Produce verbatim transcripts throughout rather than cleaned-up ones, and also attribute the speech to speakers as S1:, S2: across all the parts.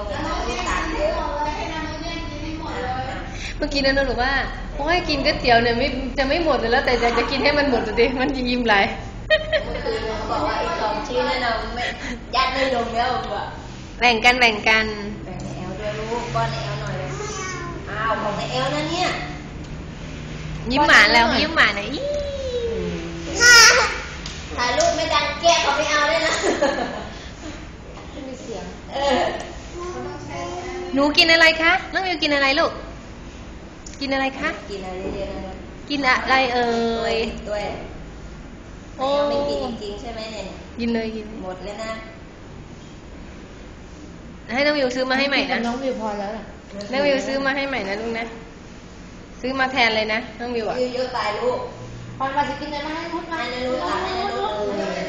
S1: อย่างนั้นลูกตาเยอะ
S2: เมื่อกี้นั้นเราบอกว่าโอ้ยกินก๋วยเตี๋ยวเนี่ยไม่จะไม่หมดเลยแล้วแต่จะจะกินให้มันหมดดิมันจะยิ้มไหล
S1: เมื่อคืนเขาบอกว่าอีกสองชิ้นแล้วเราไม่ยัดไม่ลงแล้วแบบ
S2: แบ่งกันแบ่งกัน
S1: แบ่งในแอลด้วยลูกป้อนในแอลหน่อยเลยอ้าวของในแอลนะเนี่ย
S2: ยิ้มหวานแล้วยิ้มหวานนะอี
S1: ถ่ายรูปไม่ดังแก้เขาไม่เอาเลยนะ
S3: ไม่มีเสียง
S1: เออ
S2: หนูกินอะไรคะน้องมิวกินอะไรลูกกินอะไรคะ
S1: กินอะไรเรียนอะไร
S2: กินอะไรเอ่ย
S1: ด้วยโอ้ไม่กินจริงๆใช่ไหมเนี่ย
S2: กินเลยกิน
S1: หมดแล้วนะ
S2: ให้น้องมิวซื้อมาให้ใหม่นะ
S3: น้องมิวพอแล้ว
S2: น้องมิวซื้อมาให้ใหม่นะลูกนะซื้อมาแทนเลยนะน้องมิวอ่ะ
S1: เยอะๆไปลูก
S3: พอมาจะกินอะไรมาให้นุชมา
S1: ให้นุชตักให้นุชเลย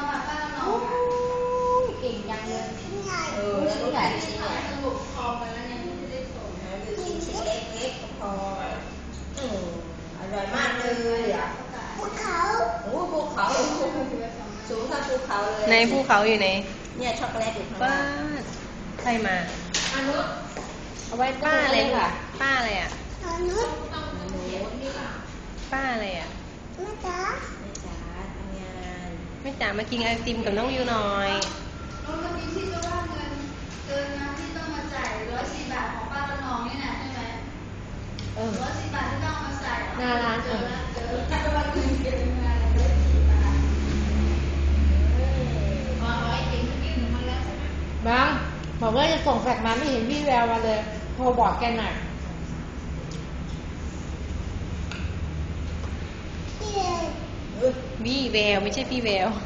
S3: เก่งยังเลย
S1: เออแล้วนุชถ่ายชิ้นใหญ่สรุปคอไปแล้วเนี่ยไม่ได้ส่งนะดูชิ้นชิ้นเล็กๆพออืมอร่อยมากเลยอ่ะภูเขาโอ้ภูเขาสูงเท่าภูเขาเลย
S2: ในภูเขาอยู่ไหน
S1: เนี่ยช็อกโกแลตอยู่ข้างล่าง
S2: ใครมา
S1: อนุ
S2: เอาไว้ป้าอะไรค่ะป้าอะไรอ่ะ
S1: อนุ
S2: ป้าอะไรอ่ะ
S1: แม่จ๋าแม่จ๋าทำงาน
S2: แม่จ๋ามากินไอติมกับน้องวิวหน่อย
S4: น้องก็มีที่จะว่าเงินเกินนะที่ต้องมาจ่ายร้อยสี่บาทของป้าละนองนี่นะใช่ไหมร้อยสี่บาทที่ต้องมาจ่าย
S3: หน้าร้าน
S4: เจอเจอถ้าวันเงินเกินมาร้อยสี่บาทอ๋อร้อยเองเมื่อกี้หนูมาแล้วใช่ไหม
S3: บางบอกว่าจะส่งแฟกซ์มาไม่เห็นพี่แววมาเลยโทรบอกแกหน่อย
S2: วี่แววไม่ใช่พี่แวว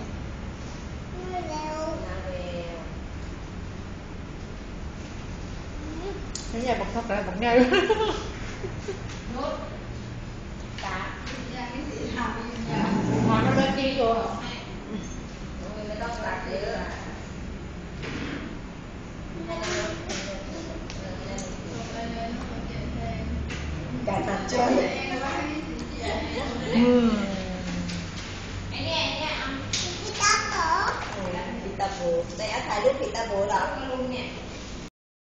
S3: ฉันอยากบอกทับอะไรบอกไง
S4: นุชตาอย่างนี้สิถามอย่าง
S3: หอมมันดีอยู่
S1: ไม่ต้องรักเยอะการตัดใจ
S2: อืม
S4: ไอ้เนี่ยไอ้เนี่ยอ่ะ
S1: พิตาโบพิตาโบแต่ถ่ายรูปพิตาโบเหรอ
S4: ลุงเนี่ย